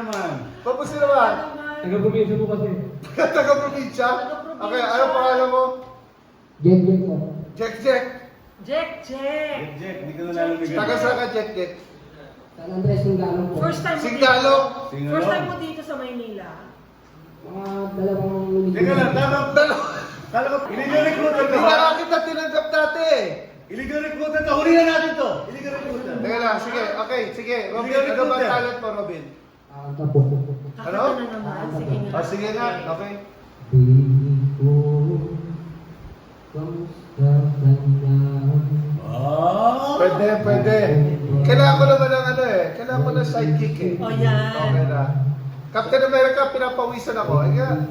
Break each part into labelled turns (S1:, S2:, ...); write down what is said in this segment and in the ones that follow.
S1: naman.
S2: Papusin naman.
S3: Taga-probinsya po kasi.
S2: Taga-probinsya? Okay, ano pangalan mo?
S3: Jen po.
S2: Jack Jack.
S4: Jack.
S1: Jack, hindi ka na lalamigan.
S2: Taga saan ka, Jack Jack?
S3: San Andres Singalo po.
S4: First time mo
S2: Singalo.
S4: dito. First time mo dito sa Maynila.
S3: Mga dalawang linggo.
S1: Teka lang, kala ko, illegal recruiter
S2: Hindi
S1: ka
S2: ka
S1: ba?
S2: kita tinanggap dati eh.
S1: Illegal recruiter ka, huli na natin to. Illegal recruiter.
S2: Teka lang, sige, okay, sige. Robin,
S1: Sige,
S2: ano ba
S1: recruiter.
S2: talent mo, Robin?
S3: Ito po.
S2: Ano?
S4: Kakanta na naman. Sige nga.
S2: Oh, sige nga, okay.
S3: Baby ko, kamusta ka na?
S1: Oh!
S2: Pwede, pwede. Kailangan ko naman ng ano eh. Kailangan ko ng sidekick eh.
S4: Oh, yan.
S2: Okay na. Captain America, pinapawisan ako. Ay nga.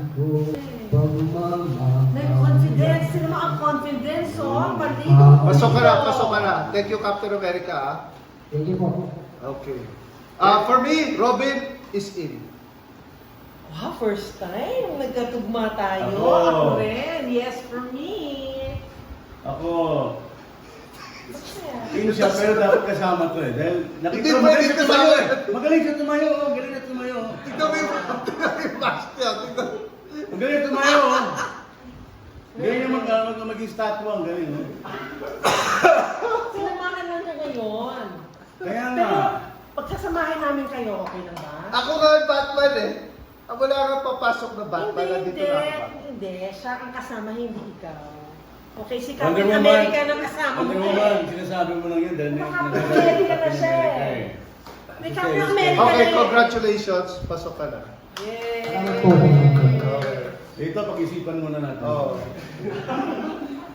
S4: Nag-confidence. Sino mo ang confidence, oh? Maligo.
S2: Pasok ka na, pasok ka na. Thank you, Captain America. Ah.
S3: Thank you po.
S2: Okay. For me, Robin is in.
S4: Wow, first time. Nagkatugma tayo.
S1: Ako.
S4: Ako rin. Yes, for me.
S1: Ako,
S4: Masaya.
S1: in siya, pero dapat kasama to eh. Dahil
S2: Hindi
S1: nakita mo,
S2: pwede
S1: magaling siya tumayo
S2: kasama.
S1: eh. Magaling siya tumayo, oh. Galing na tumayo.
S2: Tignan mo yung mask niya. Tignan mo.
S1: Magaling tumayo, oh. Galing naman ka maging statwa, ang galing, oh.
S4: Sinamahan lang niya ngayon.
S1: Kaya nga.
S4: Pero, pagkasamahin namin kayo, okay na ba?
S2: Ako nga ang Batman eh. Ako lang ang papasok na Batman. Nandito na ako.
S4: Hindi. Siya ang kasama, hindi ikaw. Okay, si
S1: Wonder
S4: Captain
S1: Woman.
S4: America ang kasama mo.
S1: Wonder Woman, sinasabi mo lang yun dahil
S4: Captain America na siya eh. May Captain America
S2: Okay,
S4: na eh.
S2: congratulations. Pasok ka na.
S3: Salamat po.
S4: Yay!
S2: Okay.
S1: Ito, pag-isipan muna natin.
S2: Oh.